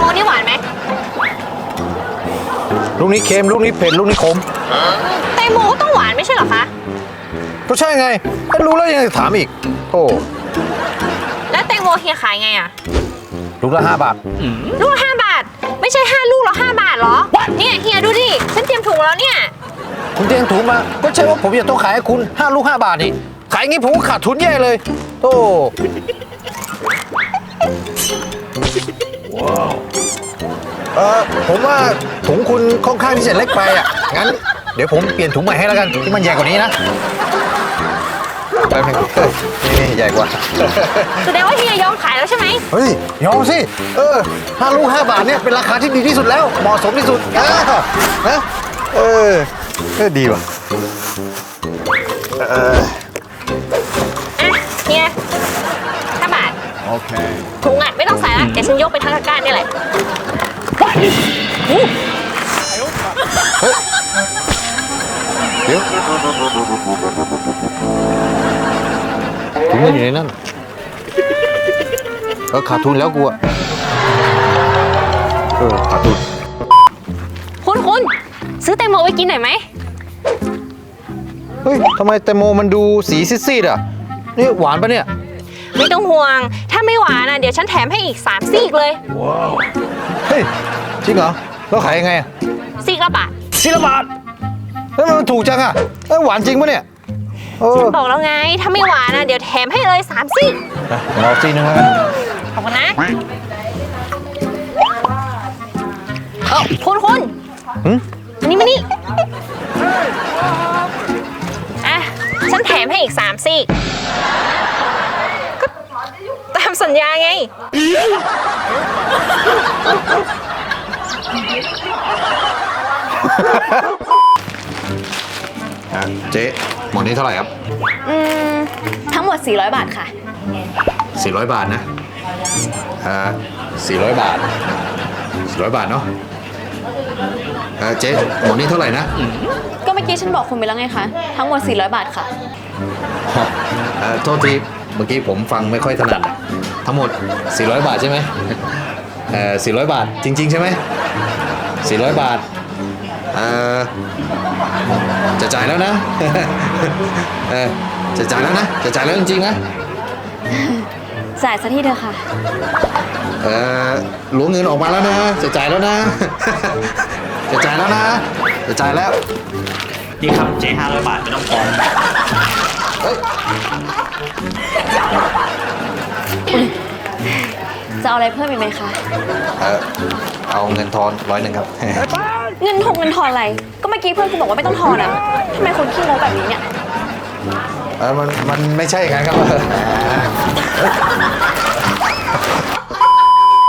นี่หวานไหมลูกนี้เค็มลูกนี้เผ็ดลูกนี้ขมแตงโมก็ต้องหวานไม่ใช่เหรอคะก็ใช่ไงถ้ารู้แล้วยังจะถามอีกโอ้แล้วแตงโมเฮียขายไงอะลูกละ5 บาทลูกละ5 บาท ไม่ใช่5 ลูกละ5 บาทเหรอ เนี่ยเฮียดูดิ ฉันเตรียมถุงแล้วเนี่ยคุณเตรียมถุงมาก็ใช่ว่าผมจะต้องขายให้คุณ5 ลูก 5 บาทนี่ขายงี้ผมก็ขาดทุนแย่เลยโอ้ผมว่าถุงคุณค่อนข้างที่จะเล็กไปอ่ะงั้นเดี๋ยวผมเปลี่ยนถุงใหม่ให้แล้วกันที่มันใหญ่กว่านี้นะไปเพิ่งนี่ใหญ่กว่าแสดงว่าเฮียยอมขายแล้วใช่ไหมเฮ้ยยอมสิ5 ลูก 5 บาทเนี่ยเป็นราคาที่ดีที่สุดแล้วเหมาะสมที่สุดนะดีว่ะอ่ะเฮีย5 บาทโอเคถุงอ่ะไม่ต้องใส่ละเดี๋ยวฉันยกไปทั้งตะกร้านี่แหละเดี๋ยวถุงมันอยู่ในนั่นขาดทุนแล้วกูอะขาดทุนคุณซื้อแตงโมไว้กินหน่อยไหมเฮ้ยทำไมแตงโมมันดูสีซีดๆอ่ะนี่หวานปะเนี่ยไม่ต้องห่วง ถ้าไม่หวานอ่ะเดี๋ยวฉันแถมให้อีก3 ซีกเลยเฮ้ยจริงเหรอแล้วขายยังไงอะซีกละบาท 4 บาทแล้วมันถูกจังอะหวานจริงปะเนี่ยฉันบอกแล้วไง ถ้าไม่หวานอ่ะเดี๋ยวแถมให้เลย3 ซีกรอซีนึงแล้วกันขอบคุณนะคุณมานี่อ่ะฉันแถมให้อีก3 ซีกก็ตามสัญญาไงเจ๊หมดนี้เท่าไหร่ครับทั้งหมด400 บาทค่ะ 400 บาทนะ400 บาท400 บาทเนาะเจ๊หมดนี้เท่าไหร่นะก็เมื่อกี้ฉันบอกคุณไปแล้วไงคะ ทั้งหมด400 บาทค่ะโทษทีเมื่อกี้ผมฟังไม่ค่อยถนัดทั้งหมด400 บาทใช่ไหม400 บาทจริงๆใช่ไหม400 บาทจะจ่ายแล้วนะจะจ่ายแล้วนะจะจ่ายแล้วจริงๆนะจ่ายซะที่เธอค่ะล้วงเงินออกมาแล้วนะจะจ่ายแล้วนะ จะจ่ายแล้วนะจะจ่ายแล้วนี่ครับเจ๊500 บาทไม่ต้องทอนเฮ้ยจะเอาอะไรเพิ่มอีกไหมคะเอาเงินทอน100ครับเงินทอนอะไร ก็เมื่อกี้เพื่อนคุณบอกว่าไม่ต้องทอนอ่ะทำไมคุณขี้งกแบบนี้เนี่ยมันไม่ใช่ไงครับ